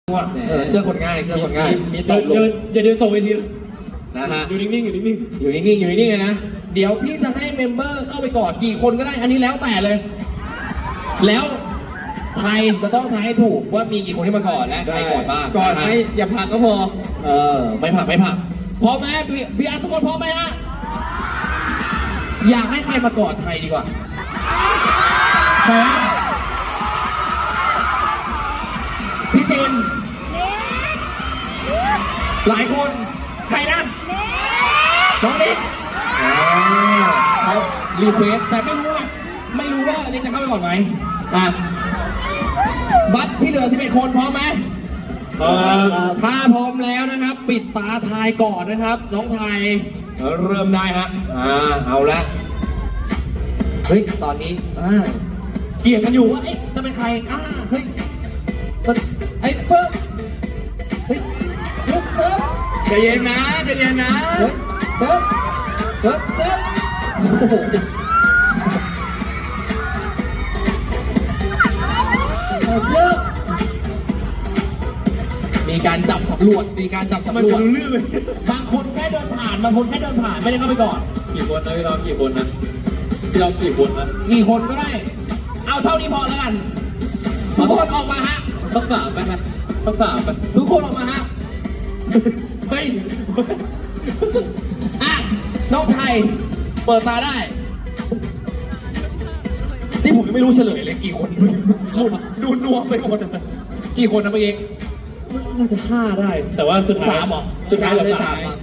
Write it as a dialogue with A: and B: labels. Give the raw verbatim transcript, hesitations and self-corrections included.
A: ว่าเออเชื่อคนง่ายเชื่อคนง่าย
B: มีตบลงอย่าเดินตกเวที
A: นะฮะ
B: อยู่นิ่งๆอยู่นิ่ง
A: อยู่นิ่งๆอยู่นิ่งๆเลยนะเดี๋ยวพี่จะให้เมมเบอร์เข้าไปก่อนกี่คนก็ได้อันนี้แล้วแต่เลย แล้วใครจะต้องทายให้ถูกว่ามีกี่คนที่มาก่อนและ
B: ๆ
A: ใครก่อนบ้าง
B: ก่อน
A: นะ
B: ไหม
A: ฮะ
B: อย่าผลักก็พอ
A: เออไม่ผักไม่ผักพร้อมไหมพี่พี่อาร์ตทุกคนพร้อมไหมฮะอยากให้ใครมาก่อนใครดีกว่าพร้อมพี่เจนหลายคนใครนะน้องนิกเขารีเควสแต่ไม่รู้ว่าไม่รู้ว่าอันนี้จะเข้าไปก่อนไหมอ่ะบัตรที่เหลือสิบเอ็ดคนพร้อมไหมถ้าพร้อมแล้วนะครับ ปิดตาทายก่อนนะครับ น้องไทยเริ่มได้ฮะอ่าเอาละเฮ้ยตอนนี้อ่าเกี่ยงกันอยู่ว่าเอ๊ะจะเป็นใครอ่าเฮ้ยไอ้เพิ่มเฮ้ยเฮ้ยเพิ่ม
B: ใจเย็นนะใจเย็นนะ
A: เฮ้ยเพิ่มเฮ้ยเพิ่มโอ้โหเลิกมีการจับสำรวจมีการจับ
B: มัน
A: สำรวจ
B: รู้เรื่องเลย
A: บางคนแค่เดินผ่านบางคนแค่เดินผ่านไม่ได้เข้าไปก่อน
B: กี่คนนะพี่เรากี่คนนะพี่เรากี่คนนะ
A: กี่คนก็ได้ เอาเท่านี้พอแล้วกัน ทุกคนออกมาฮะ
B: ต้องสามไปไหมต้องสามไป
A: ทุกคนออกมาฮะ เฮ้ย อ่ะ น้องไทย เปิดตาได้ ที่ผมยังไม่รู้เฉลยเลยกี่คนหมุนดูนัวไปหมดกี่คนนะเมื่อกี้
B: น่าจะห้าได้ แต่ว่าสุดท้าย
A: สามเหรอ
B: สุดท้ายเหลือ
A: ได้
B: สา
A: สาม ม